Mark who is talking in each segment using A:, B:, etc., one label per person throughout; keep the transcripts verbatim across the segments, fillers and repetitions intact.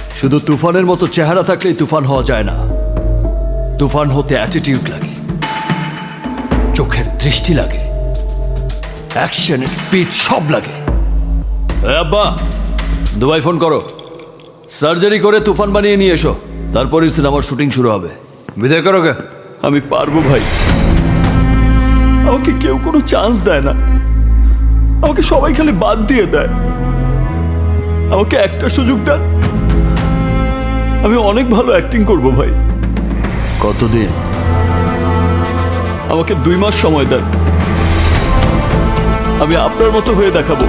A: শুধু তুফানের মতো চেহারা থাকলেই তুফান হওয়া যায় না, তুফান হতে অ্যাটিটিউড লাগে, চোখের দৃষ্টি লাগে, অ্যাকশন স্পিড সব লাগে। এ আব্বা, দুবাই ফোন করো, সার্জারি করে তুফান বানিয়ে নিয়ে এসো, তারপরই সিনেমার শুটিং শুরু হবে। বিদায় করো গে। আমি পারবো ভাই, আমাকে কেউ কোনো চান্স দেয় না, আমাকে সবাই খালি বাদ দিয়ে দেয়। আমাকে একটা সুযোগ দেন, আমি অনেক ভালো অ্যাক্টিং করব ভাই। কতদিন? আমাকে দুই মাস সময় দেন, আমি আপনার মতো হয়ে দেখাবো।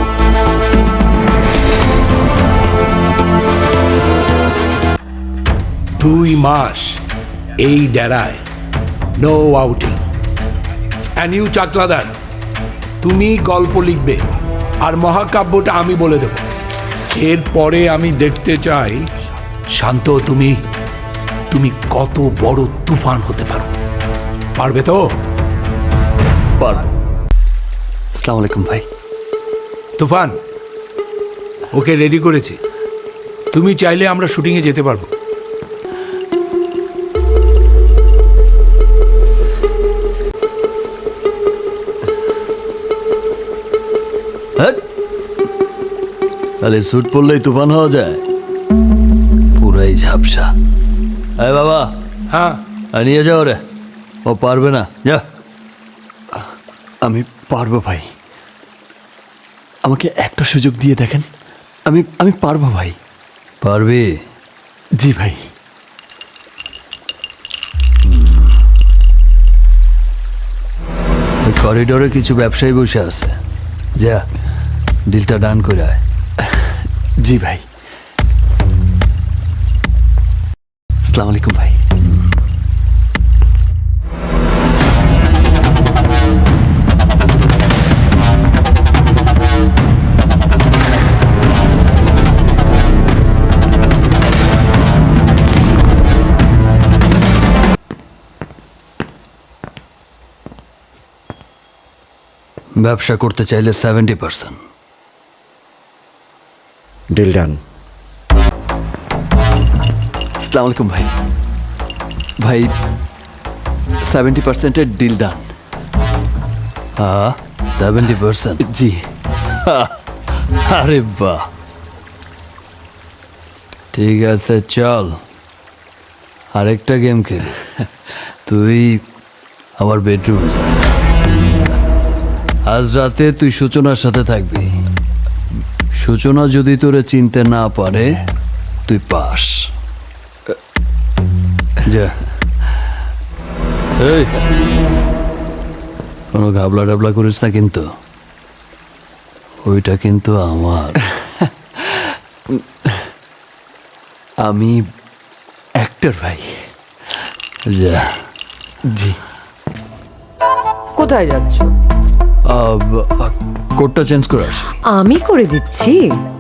B: দুই মাস এই ডেরায়, no outing. And you Chakladar, তুমি গল্প লিখবে আর মহাকাব্যটা আমি বলে দেব। এরপরে আমি দেখতে চাই শান্ত তুমি তুমি কত বড় তুফান হতে পারো। পারবে তো?
A: পারবো। আসসালামু আলাইকুম ভাই।
B: তুফান, ওকে রেডি করেছি, তুমি চাইলে আমরা শুটিংয়ে যেতে পারবো।
A: তাহলে স্যুট পরলেই তুফান হওয়া যায়? পুরাই ঝাপসা। আরে বাবা,
B: হ্যাঁ
A: আর নিয়ে যাও রে, ও পারবে না, যা। আমি পারবো ভাই, আমাকে একটা সুযোগ দিয়ে দেখেন, আমি আমি পারবো ভাই। পারবি? জি ভাই। করিডোরে কিছু ব্যবসায়ী বসে আছে, যা ডিলটা ডান করে আয়। জি ভাই। আসসালামু আলাইকুম ভাই। ব্যবসা করতে চাইলে সেভেন্টি পার্সেন্ট।
C: Deal done.
A: আসসালামু আলাইকুম ভাই। ভাই, সেভেন্টি পার্সেন্টের ডিল ডান। হ্যাঁ, সেভেন্টি পার্সেন্ট। জি। আরে বাহ, ঠিক আছে, চল আরেকটা গেম খেলি। তুই আমার বেডরুমে যা, আজ রাতে তুই সূচনার সাথে থাকবি। সূচনা যদি তোরে চিনতে না পারে, তুই পাস। যা। এই, কোনো ঘাবলা ডাবলা করিস না কিন্তু, ওইটা কিন্তু আমার। আমি অ্যাক্টর ভাই। যা। জি।
D: কোথায় যাচ্ছ?
A: কোডটা চেঞ্জ করে আসি।
D: আমি করে দিচ্ছি।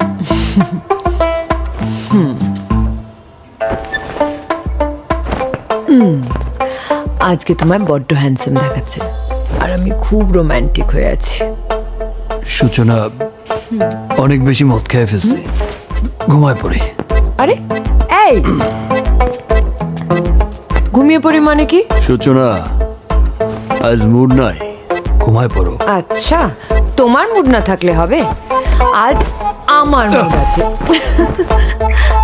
D: হুম। হুম, আজকে তোমায় বড্ড হ্যান্ডসাম দেখাচ্ছে, আর আমি খুব রোমান্টিক হয়ে আছি।
A: সূচনা, অনেক বেশি মদ খেয়ে ফেলছি, ঘুমায় পড়ি।
D: আরে এই, ঘুমিয়ে পড়ি মানে কি?
A: সূচনা, আজ মুড নাই, ঘুমায় পড়ো।
D: আচ্ছা, তোমার মুড না থাকলে হবে, আজ আমার মুড আছে।